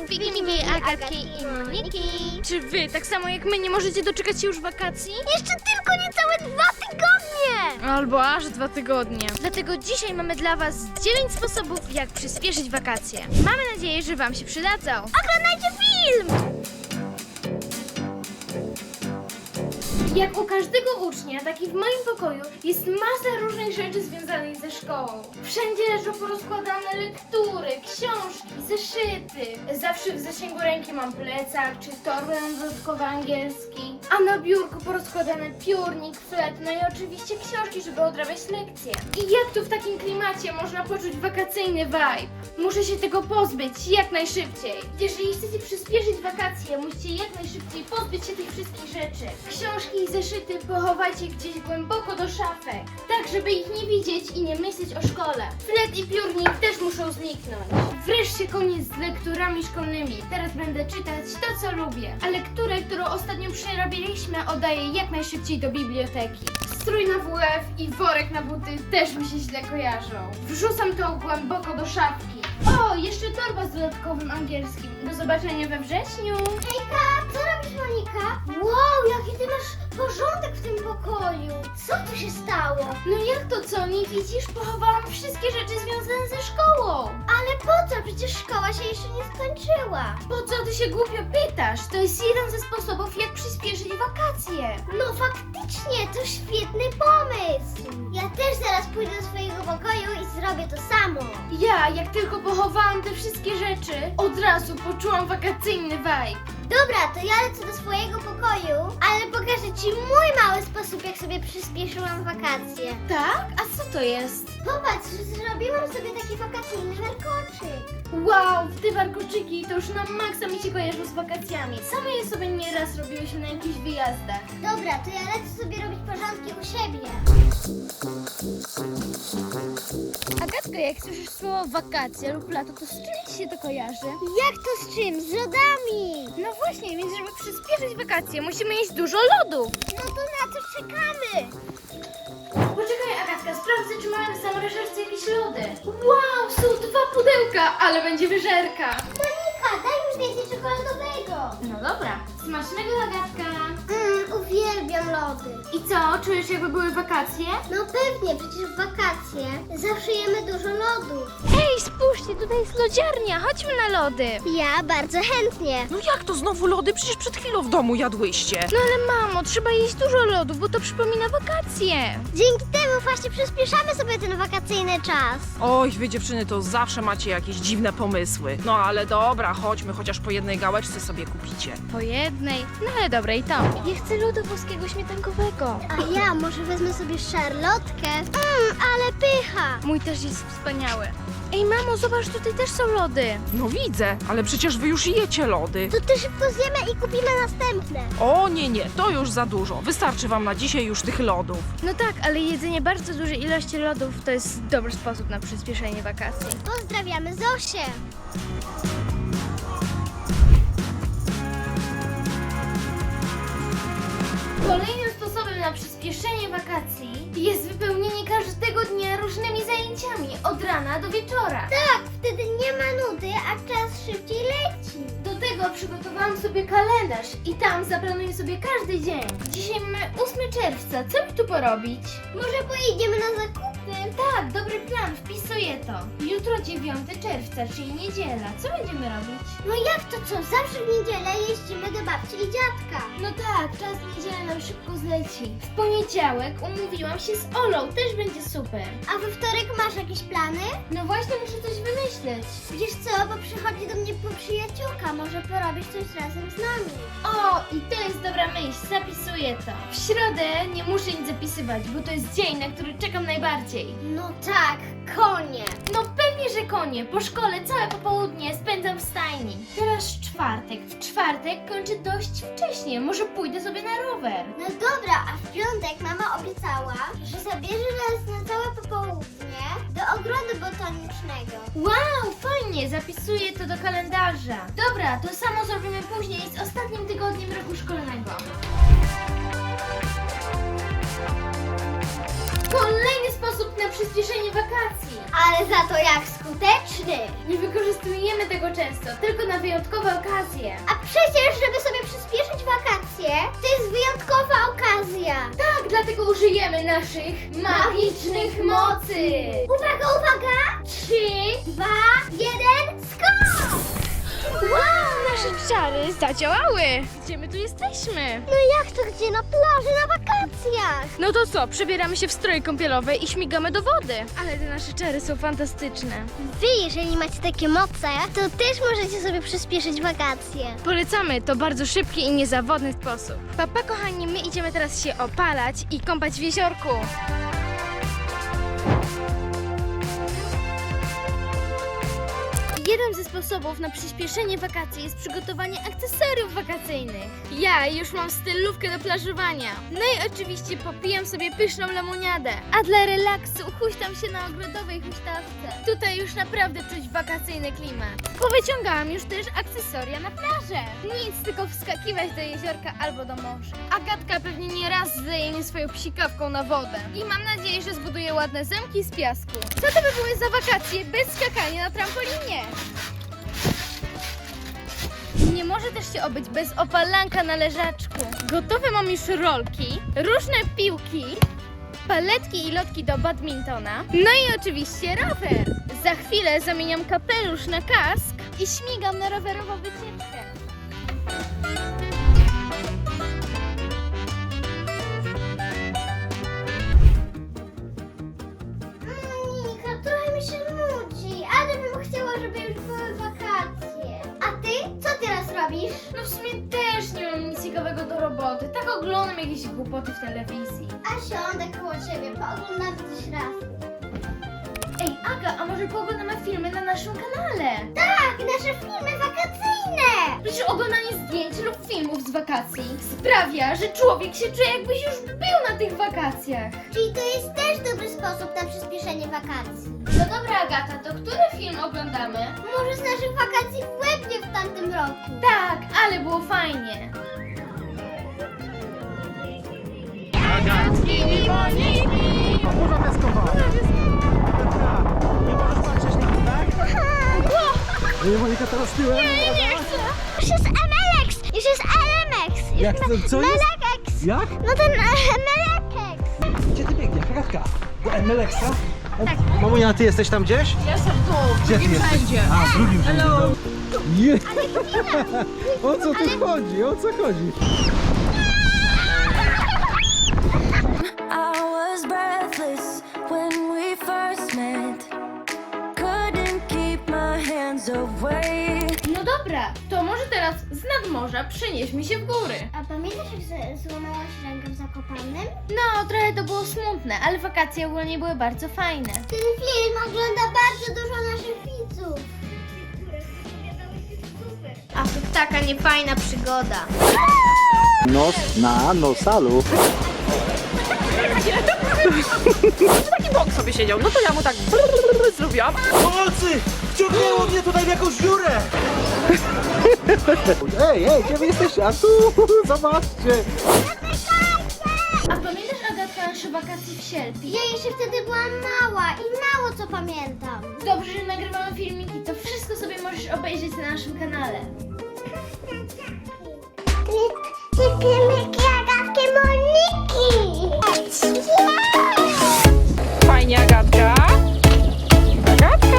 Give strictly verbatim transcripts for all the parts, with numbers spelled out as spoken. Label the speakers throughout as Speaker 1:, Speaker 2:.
Speaker 1: Wiki, Miki, Agatki i Moniki.
Speaker 2: Czy wy, tak samo jak my, nie możecie doczekać się już wakacji?
Speaker 1: Jeszcze tylko niecałe dwa tygodnie!
Speaker 2: Albo aż dwa tygodnie. Dlatego dzisiaj mamy dla was dziewięć sposobów, jak przyspieszyć wakacje. Mamy nadzieję, że wam się przydadzą.
Speaker 1: Oglądajcie film!
Speaker 2: Jak u każdego ucznia, tak i w moim pokoju jest masa różnych rzeczy związanych ze szkołą. Wszędzie leżą porozkładane lektury, książki, zeszyty. Zawsze w zasięgu ręki mam plecak czy torbę na dodatkowy angielski. A na biurku porozkładany piórnik, flet, no i oczywiście książki, żeby odrabiać lekcje. I jak tu w takim klimacie można poczuć wakacyjny vibe? Muszę się tego pozbyć jak najszybciej. Jeżeli chcecie przyspieszyć wakacje, musicie jak najszybciej pozbyć się tych wszystkich rzeczy. Książki i zeszyty pochowajcie gdzieś głęboko do szafek, tak żeby ich nie widzieć i nie myśleć o szkole. Flet i piórnik też muszą zniknąć. Wreszcie koniec z lekturami szkolnymi. Teraz będę czytać to, co lubię. A lekturę, którą ostatnio przerobiliśmy, oddaję jak najszybciej do biblioteki. Strój na W F i worek na buty też mi się źle kojarzą. Wrzucam to głęboko do szafki. O, jeszcze torba z dodatkowym angielskim. Do zobaczenia we wrześniu.
Speaker 1: Hejka, co robisz, Monika? Wow, jaki ty masz porządek w tym pokoju. Co tu się stało?
Speaker 2: No jak to co, nie widzisz? Pochowałam wszystkie rzeczy związane ze szkołą.
Speaker 1: Ale po co? Przecież szkoła się jeszcze nie skończyła.
Speaker 2: Po co ty się głupio pytasz? To jest jeden ze sposobów, jak przyspieszyć wakacje.
Speaker 1: No faktycznie, to świetny pomysł. Ja też zaraz pójdę do swojego pokoju i zrobię to samo.
Speaker 2: Ja, jak tylko pochowałam te wszystkie rzeczy, od razu poczułam wakacyjny vibe.
Speaker 1: Dobra, to ja lecę do swojego pokoju, ale pokażę Ci mój mały sposób, jak sobie przyspieszyłam wakacje.
Speaker 2: Tak? A co to jest?
Speaker 1: Popatrz, zrobiłam sobie taki wakacyjny warkoczyk.
Speaker 2: Wow, te warkoczyki to już na maksa mi się kojarzą z wakacjami. Same je sobie nieraz robiłyśmy na jakichś wyjazdach.
Speaker 1: Dobra, to ja lecę sobie robić porządki u siebie.
Speaker 2: Agatka, jak słyszysz słowo wakacje lub lato, to z czym ci się to kojarzy?
Speaker 1: Jak to z czym? Z lodami!
Speaker 2: No właśnie, więc żeby przyspieszyć wakacje, musimy jeść dużo lodów.
Speaker 1: No to na co czekamy?
Speaker 2: Poczekaj, Agatka, sprawdzę, czy mamy w zamrażarce jakieś lody. Wow, są dwa pudełka, ale będzie wyżerka.
Speaker 1: Monika, daj mi więcej czekoladowego.
Speaker 2: No dobra. Smacznego, Agatka.
Speaker 1: Mmm, uwielbiam lody.
Speaker 2: I co, czujesz, jakby były wakacje?
Speaker 1: No pewnie, przecież w wakacje zawsze jemy dużo lodów.
Speaker 2: Ej, spójrzcie, tutaj jest lodziarnia, chodźmy na lody.
Speaker 1: Ja bardzo chętnie.
Speaker 3: No jak to znowu lody? Przecież przed chwilą w domu jadłyście.
Speaker 2: No ale mamo, trzeba jeść dużo lodów, bo to przypomina wakacje.
Speaker 1: Dzięki temu właśnie przyspieszamy sobie ten wakacyjny czas.
Speaker 3: Oj, wy dziewczyny to zawsze macie jakieś dziwne pomysły. No ale dobra, chodźmy, chociaż po jednej gałeczce sobie kupicie.
Speaker 2: Po jednej, no ale dobra i to. Ja chcę lodu włoskiego śmietankowego.
Speaker 1: A ja może wezmę sobie szarlotkę. Mmm, ale pycha.
Speaker 2: Mój też jest wspaniały. Ej mamo, zobacz, tutaj też są lody.
Speaker 3: No widzę, ale przecież wy już jecie lody.
Speaker 1: To ty szybko zjemy i kupimy następne.
Speaker 3: O nie, nie, to już za dużo. Wystarczy wam na dzisiaj już tych lodów.
Speaker 2: No tak, ale jedzenie bardzo dużej ilości lodów to jest dobry sposób na przyspieszenie wakacji.
Speaker 1: Pozdrawiamy Zosię.
Speaker 2: Kolejnym sposobem na przyspieszenie wakacji jest wypełnienie każdego dnia różnymi zajęciami od rana do wieczora.
Speaker 1: Tak, wtedy nie ma nudy, a czas szybciej leci.
Speaker 2: Do tego przygotowałam sobie kalendarz i tam zaplanuję sobie każdy dzień. Dzisiaj mamy ósmego czerwca, co mi tu porobić?
Speaker 1: Może pojedziemy na zakupy?
Speaker 2: Tak, dobry plan, wpisuję to. Jutro dziewiątego czerwca, czyli niedziela. Co będziemy robić?
Speaker 1: No jak to co? Zawsze w niedzielę jeździmy do babci i dziadka.
Speaker 2: No tak, czas niedziela nam szybko zleci. W poniedziałek umówiłam się z Olą, też będzie super.
Speaker 1: A we wtorek masz jakieś plany?
Speaker 2: No właśnie, muszę coś wymyśleć.
Speaker 1: Wiesz co, bo przychodzi do mnie po przyjaciółka, może porobić coś razem z nami.
Speaker 2: O, i to jest dobra myśl, zapisuję to. W środę nie muszę nic zapisywać, bo to jest dzień, na który czekam najbardziej.
Speaker 1: No tak, konie.
Speaker 2: No pewnie, że konie. Po szkole całe popołudnie spędzam w stajni. Teraz czwartek. W czwartek kończę dość wcześnie. Może pójdę sobie na rower.
Speaker 1: No dobra, a w piątek mama obiecała, że zabierze nas na całe popołudnie do ogrodu botanicznego.
Speaker 2: Wow, fajnie, zapisuję to do kalendarza. Dobra, to samo zrobimy później z ostatnim tygodniem roku szkolnego. Kolejny sposób na przyspieszenie wakacji.
Speaker 1: Ale za to jak skuteczny!
Speaker 2: Nie wykorzystujemy tego często, tylko na wyjątkowe okazje.
Speaker 1: A przecież, żeby sobie przyspieszyć wakacje, to jest wyjątkowa okazja.
Speaker 2: Tak, dlatego użyjemy naszych magicznych mocy.
Speaker 1: Uwaga, uwaga! Trzy, dwa, jeden, skok!
Speaker 2: Wow, nasze czary zadziałały. Gdzie my tu jesteśmy?
Speaker 1: No jak to gdzie? Na plaży, na wakacjach!
Speaker 2: No to co, przebieramy się w stroje kąpielowe i śmigamy do wody. Ale te nasze czary są fantastyczne.
Speaker 1: Wy, jeżeli macie takie moce, to też możecie sobie przyspieszyć wakacje.
Speaker 2: Polecamy, to bardzo szybki i niezawodny sposób. Papa, kochani, my idziemy teraz się opalać i kąpać w jeziorku. Jeden ze sposobów na przyspieszenie wakacji jest przygotowanie akcesoriów wakacyjnych. Ja już mam stylówkę do plażowania. No i oczywiście popijam sobie pyszną lemoniadę. A dla relaksu huśtam się na ogrodowej huśtawce. Tutaj już naprawdę czuć wakacyjny klimat. Powyciągałam już też akcesoria na plażę. Nic, tylko wskakiwać do jeziorka albo do morza. Agatka pewnie nie raz zleje mnie swoją psikawką na wodę. I mam nadzieję, że zbuduje ładne zamki z piasku. Co to by były za wakacje bez skakania na trampolinie? Nie może też się obyć bez opalanka na leżaczku. Gotowe mam już rolki, różne piłki, paletki i lotki do badmintona, no i oczywiście rower. Za chwilę zamieniam kapelusz na kask i śmigam na rowerową wycieczkę.
Speaker 1: Monika, trochę mi się nudzi, ale bym chciała, żeby już były wakacje. A ty? Co teraz robisz?
Speaker 2: No w sumie też nie mam nic ciekawego do roboty, tak oglądam jakieś głupoty w telewizji.
Speaker 1: A siądę koło ciebie, pooglądam coś raz.
Speaker 2: Ej Aga, a może pooglądamy filmy na naszym kanale?
Speaker 1: Tak, nasze filmy wakacyjne!
Speaker 2: Przecież oglądanie zdjęć lub filmów z wakacji sprawia, że człowiek się czuje, jakbyś już był na tych wakacjach.
Speaker 1: Czyli to jest też dobry sposób na przyspieszenie wakacji.
Speaker 2: No dobra Agata, to który film oglądamy?
Speaker 1: Może z naszych wakacji w Łebnie w tamtym roku.
Speaker 2: Tak, ale było fajnie.
Speaker 4: Agatki i Moniki! Burza piaskowa! Nie możesz patrzeć na mnie, tak? Nie, Monika teraz tyłem.
Speaker 1: Nie, nie chcę. Już jest M L X, już jest L M X. Już
Speaker 4: Jak
Speaker 1: ma-
Speaker 4: to- co jest?
Speaker 1: Melekex.
Speaker 4: Jak?
Speaker 1: No ten M L X.
Speaker 4: Gdzie ty biegniesz, Agatka? Do M L X-a? Tak. Mamunia, ty jesteś tam gdzieś?
Speaker 3: Jestem tu,
Speaker 4: Gdzie ty jesteś?
Speaker 3: wszędzie.
Speaker 4: A, w drugim rzędzie.
Speaker 3: Hello.
Speaker 4: Nie. O co tu chodzi? O co chodzi?
Speaker 5: I was breathless when we first met. Couldn't keep my hands away.
Speaker 2: No dobra, to może teraz z nadmorza przenieśmy się w góry.
Speaker 1: A pamiętasz, jak z- złamałaś rękę w Zakopanem?
Speaker 2: No, trochę to było smutne, ale wakacje ogólnie były bardzo fajne.
Speaker 1: Ten film ogląda bardzo dużo naszych widzów. A to taka niefajna przygoda.
Speaker 4: Nos na nosalu.
Speaker 3: Taki bok sobie siedział, no to ja mu tak zrobiłam.
Speaker 4: Pomocy! Wciągnęło mnie tutaj w jakąś dziurę! Ej, ej, gdzie wy jesteście? A tu, zobaczcie!
Speaker 2: A pamiętasz Agatka nasze wakacje w Sielpi?
Speaker 1: Ja jeszcze wtedy byłam mała i mało co pamiętam.
Speaker 2: Dobrze, że nagrywamy filmiki, to wszystko sobie możesz obejrzeć na naszym kanale.
Speaker 1: Filmiki Agatki Moniki!
Speaker 3: Fajnie, Agatka. Agatka.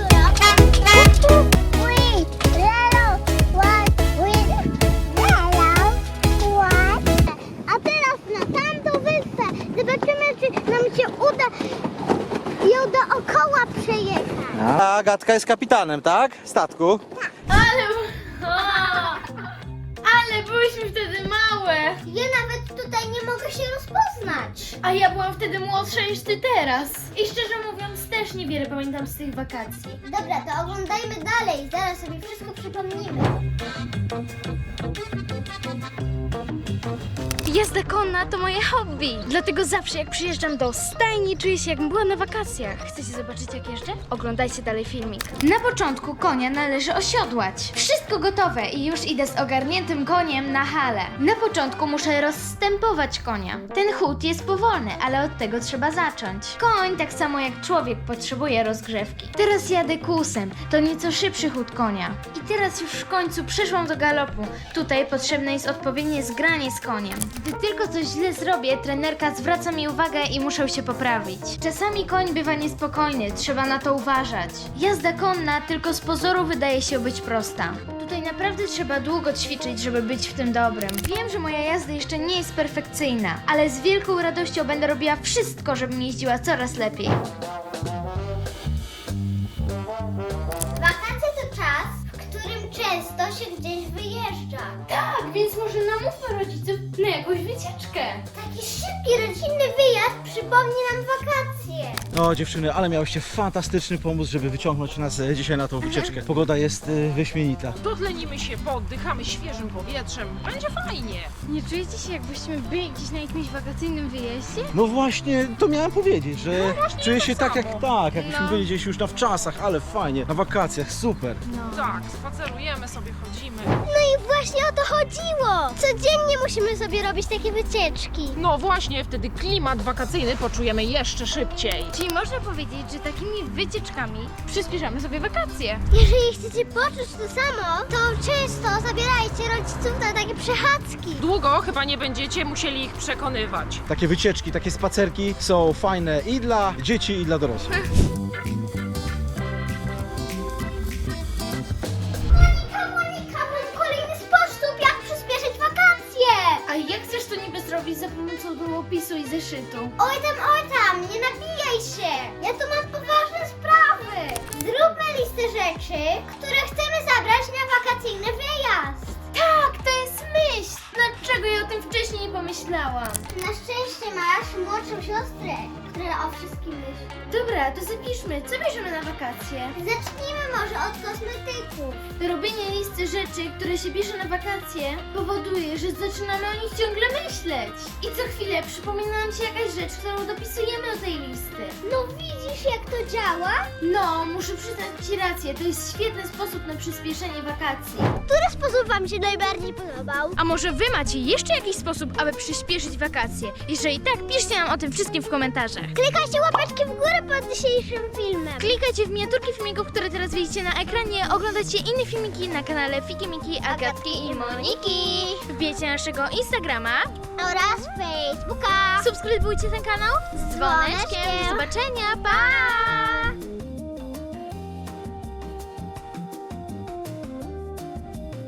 Speaker 1: A teraz na tamtą wyspę. Zobaczymy, czy nam się uda ją dookoła przejechać.
Speaker 4: A Agatka jest kapitanem, tak? Statku.
Speaker 2: Ale... O! Ale byłyśmy wtedy małe.
Speaker 1: Ja nawet tutaj nie mogę się rozpoznać.
Speaker 2: A ja byłam wtedy młodsza niż ty teraz. I szczerze mówiąc też niewiele pamiętam z tych wakacji.
Speaker 1: Dobra, to oglądajmy dalej. Zaraz sobie wszystko przypomnimy.
Speaker 2: Jazda konna to moje hobby. Dlatego zawsze jak przyjeżdżam do stajni, czuję się jakbym była na wakacjach. Chcecie zobaczyć jak jeżdżę? Oglądajcie dalej filmik. Na początku konia należy osiodłać. Wszystko gotowe i już idę z ogarniętym koniem na halę. Na początku muszę rozstępować konia. Ten chód jest powolny, ale od tego trzeba zacząć. Koń, tak samo jak człowiek, potrzebuje rozgrzewki. Teraz jadę kłusem. To nieco szybszy chód konia. I teraz już w końcu przeszłam do galopu. Tutaj potrzebne jest odpowiednie zgranie z koniem. Gdy tylko coś źle zrobię, trenerka zwraca mi uwagę i muszę się poprawić. Czasami koń bywa niespokojny, trzeba na to uważać. Jazda konna tylko z pozoru wydaje się być prosta. Tutaj naprawdę trzeba długo ćwiczyć, żeby być w tym dobrym. Wiem, że moja jazda jeszcze nie jest perfekcyjna, ale z wielką radością będę robiła wszystko, żebym jeździła coraz lepiej.
Speaker 1: Wakacje to czas, w którym często się gdzieś wyjeżdża.
Speaker 2: Tak, więc może namówmy rodziców na jakąś wycieczkę.
Speaker 1: Taki szybki, rodzinny wyjazd przypomni nam wakacje.
Speaker 4: O dziewczyny, ale miałyście fantastyczny pomysł, żeby wyciągnąć nas e, dzisiaj na tą wycieczkę. Pogoda jest e, wyśmienita.
Speaker 3: Dotlenimy się, pooddychamy świeżym powietrzem. Będzie fajnie.
Speaker 2: Nie czujecie się, jakbyśmy byli gdzieś na jakimś wakacyjnym wyjeździe?
Speaker 4: No właśnie, to miałem powiedzieć, że czuję się
Speaker 3: to
Speaker 4: tak jak
Speaker 3: samo.
Speaker 4: tak, jakbyśmy
Speaker 2: No.
Speaker 4: byli gdzieś już na wczasach, ale fajnie, na wakacjach, super.
Speaker 2: No.
Speaker 3: Tak, spacerujemy sobie, chodzimy.
Speaker 1: No i właśnie o to chodziło. Codziennie musimy sobie robić takie wycieczki.
Speaker 3: No właśnie, wtedy klimat wakacyjny poczujemy jeszcze szybciej.
Speaker 2: Czyli można powiedzieć, że takimi wycieczkami przyspieszamy sobie wakacje.
Speaker 1: Jeżeli chcecie poczuć to samo, to często zabierajcie rodziców na takie przechadzki.
Speaker 3: Długo chyba nie będziecie musieli ich przekonywać.
Speaker 4: Takie wycieczki, takie spacerki są fajne i dla dzieci, i dla dorosłych.
Speaker 1: Monika, Monika, mam kolejny sposób, jak przyspieszyć wakacje.
Speaker 2: A jak chcesz to niby zrobić za pomocą długopisu i zeszytu?
Speaker 1: Oj tam, oj tam, nie nabijaj się. Ja tu mam poważne sprawy. Zróbmy listę rzeczy, które chcemy zabrać na wakacyjny wyjazd.
Speaker 2: Tak, to jest myśl! Dlaczego ja o tym wcześniej nie pomyślałam?
Speaker 1: Na szczęście masz młodszą siostrę, która o wszystkim myśli.
Speaker 2: Dobra, to zapiszmy, co bierzemy na wakacje?
Speaker 1: Zacznijmy może od kosmetyków.
Speaker 2: Robienie listy rzeczy, które się bierze na wakacje, powoduje, że zaczynamy o nich ciągle myśleć. I co chwilę przypomina nam się jakaś rzecz, którą dopisujemy do tej listy.
Speaker 1: No widzisz, jak to działa?
Speaker 2: No, muszę przyznać Ci rację, to jest świetny sposób na przyspieszenie wakacji.
Speaker 1: Który sposób Wam się najbardziej podobał?
Speaker 2: A może Wy macie jeszcze jakiś sposób, aby przyspieszyć wakacje? Jeżeli tak, piszcie nam o tym wszystkim w komentarzach.
Speaker 1: Klikajcie łapeczki w górę pod dzisiejszym filmem.
Speaker 2: Klikajcie w miniaturki filmików, które teraz widzicie na ekranie. Oglądajcie inne filmiki na kanale Fiki Miki, Agatki i Moniki. Wbijcie naszego Instagrama.
Speaker 1: Oraz Facebooka.
Speaker 2: Subskrybujcie ten kanał z dzwoneczkiem.
Speaker 1: dzwoneczkiem.
Speaker 2: Do zobaczenia. Pa!